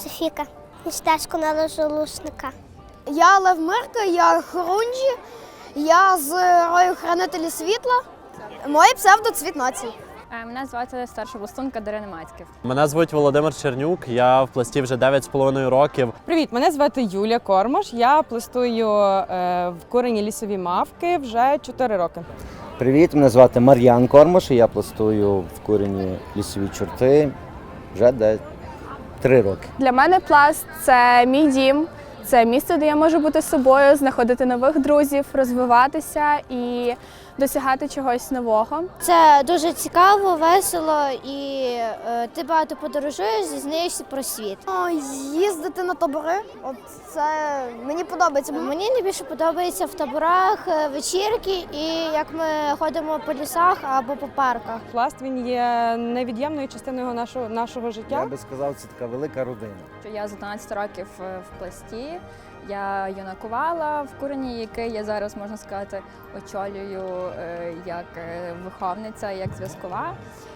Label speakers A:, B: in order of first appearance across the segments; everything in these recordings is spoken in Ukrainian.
A: Софіка. Стежку на Лужолушника.
B: Я Лев Мирка, я Хорунжі, я з рою Хранителі світла. Моє псевдо Цвіт нації.
C: Мене звати старша пластунка Дарина Мацьків.
D: Мене звуть Володимир Чернюк, я в пласті вже 9,5 років.
E: Привіт, мене звати Юлія Кормаш, я пластую в курені лісові мавки вже 4 роки.
F: Привіт, мене звати Мар'ян Кормаш, і я пластую в курені лісові чорти вже 3 роки.
G: Для мене пласт – це мій дім, це місце, де я можу бути собою, знаходити нових друзів, розвиватися і досягати чогось нового.
A: Це дуже цікаво, весело і ти багато подорожуєш, дізнаєшся про світ.
B: Їздити на табори, от це мені подобається.
A: Мені найбільше подобається в таборах вечірки і як ми ходимо по лісах або по парках.
E: Пласт, він є невід'ємною частиною нашого життя.
F: Я би сказав, це така велика родина.
C: Я з 11 років в пласті. Я юнакувала в курені, який я зараз, можна сказати, очолюю як виховниця, як зв'язкова.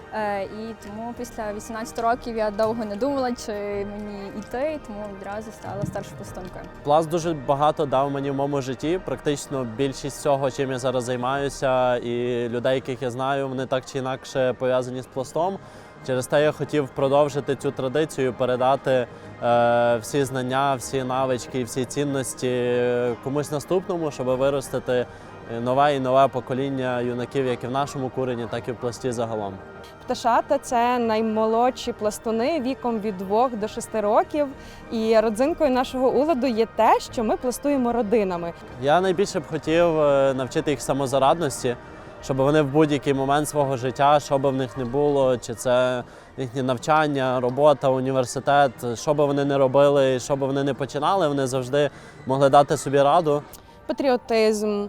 C: І тому після 18 років я довго не думала, чи мені йти, тому відразу стала старшою пластункою.
D: Пласт дуже багато дав мені в моєму житті. Практично більшість цього, чим я зараз займаюся, і людей, яких я знаю, вони так чи інакше пов'язані з пластом. Через те я хотів продовжити цю традицію, передати всі знання, всі навички, всі цінності комусь наступному, щоб виростити нове і нове покоління юнаків, як і в нашому курені, так і в пласті загалом.
E: Пташата – це наймолодші пластуни віком від 2 до 6 років. І родзинкою нашого уладу є те, що ми пластуємо родинами.
D: Я найбільше б хотів навчити їх самозарадності, щоб вони в будь-який момент свого життя, що би в них не було, чи це їхнє навчання, робота, університет, що би вони не робили, що би вони не починали, вони завжди могли дати собі раду.
E: Патріотизм,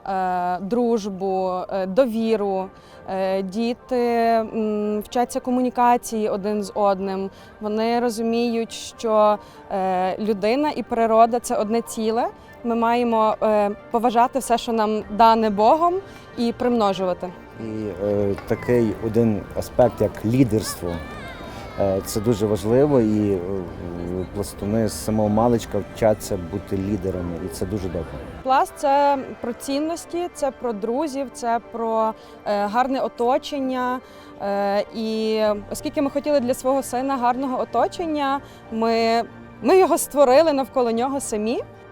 E: дружбу, довіру. Діти вчаться комунікації один з одним. Вони розуміють, що людина і природа – це одне ціле. Ми маємо поважати все, що нам дане Богом, і примножувати.
F: І такий один аспект, як лідерство, це дуже важливо, і пластуни з самого маличка вчаться бути лідерами, і це дуже добре.
E: Пласт – це про цінності, це про друзів, це про гарне оточення. І оскільки ми хотіли для свого сина гарного оточення, ми його створили навколо нього самі.